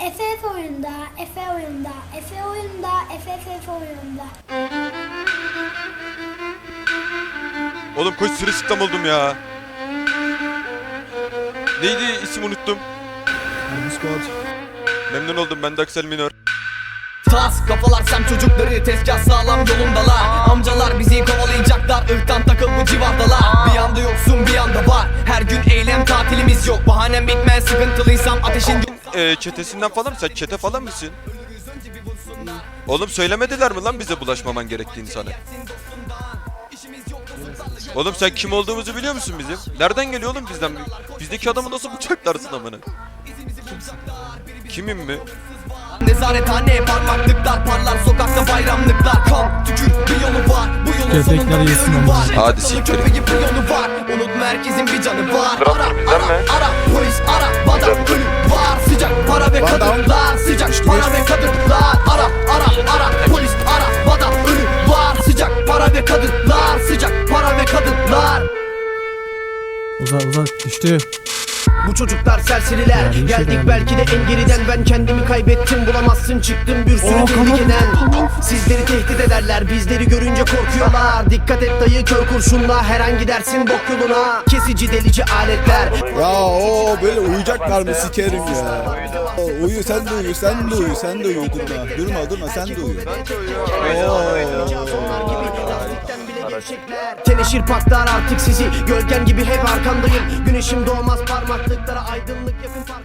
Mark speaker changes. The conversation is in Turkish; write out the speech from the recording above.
Speaker 1: FF oyunda, Efe oyunda, Efe oyunda, FF oyunda.
Speaker 2: Oğlum koş sırılsıklam oldum ya. Neydi isim unuttum. Memnun oldum, ben de Aksel Minör.
Speaker 3: Tas kafalar sem çocukları tezgah sağlam yolundalar. Amcalar bizi kovalayacaklar, ırktan takıl bu civardalar. Bir yanda yoksun bir yanda var, her gün eylem tatilimiz yok. Bahanem bitmez sıkıntılıysam ateşin
Speaker 2: Çetesinden falan mı? Sen çete falan mısın? Oğlum söylemediler mi lan bize bulaşmaman gerektiğini sana? Oğlum sen kim olduğumuzu biliyor musun bizim? Nereden geliyor oğlum bizden? Bizdeki adamı nasıl bıçaklarsın amına? Kimim mi?
Speaker 3: Nezarethane parmaklıklar parlar, sokakta bayramlıklar. Kan tükür bir yolu var, bu yolun sonunda bir ölü var.
Speaker 2: Hadi siktir.
Speaker 3: Köpeği bir yolu var, unutma herkesin bir canı var. Ara polis ara, vatan ölü var. Sıcak para ve kadınlar, sıcak para ve kadınlar. Ara polis ara, vatan ölü var. Sıcak para ve kadınlar, sıcak para ve kadınlar.
Speaker 4: Uzak düştü.
Speaker 3: Bu çocuklar serseriler, geldik belki de en geriden. Ben kendimi kaybettim, bulamazsın çıktım bir sürü tehlikeden. Sizleri tehdit ederler, bizleri görünce korkuyorlar. Dikkat et dayı, kör kurşunla her an gidersin bok yoluna. Kesici delici aletler.
Speaker 5: Ya o böyle uyuyacaklar mı sikerim ya. Uyu sen de uyu, sen de uyu, sen de uyu, durma sen de uyu.
Speaker 3: Teneşir paklar artık sizi, gölgen gibi hep arkandayım. Güneşim doğmaz parmaklıklara, aydınlık yakın.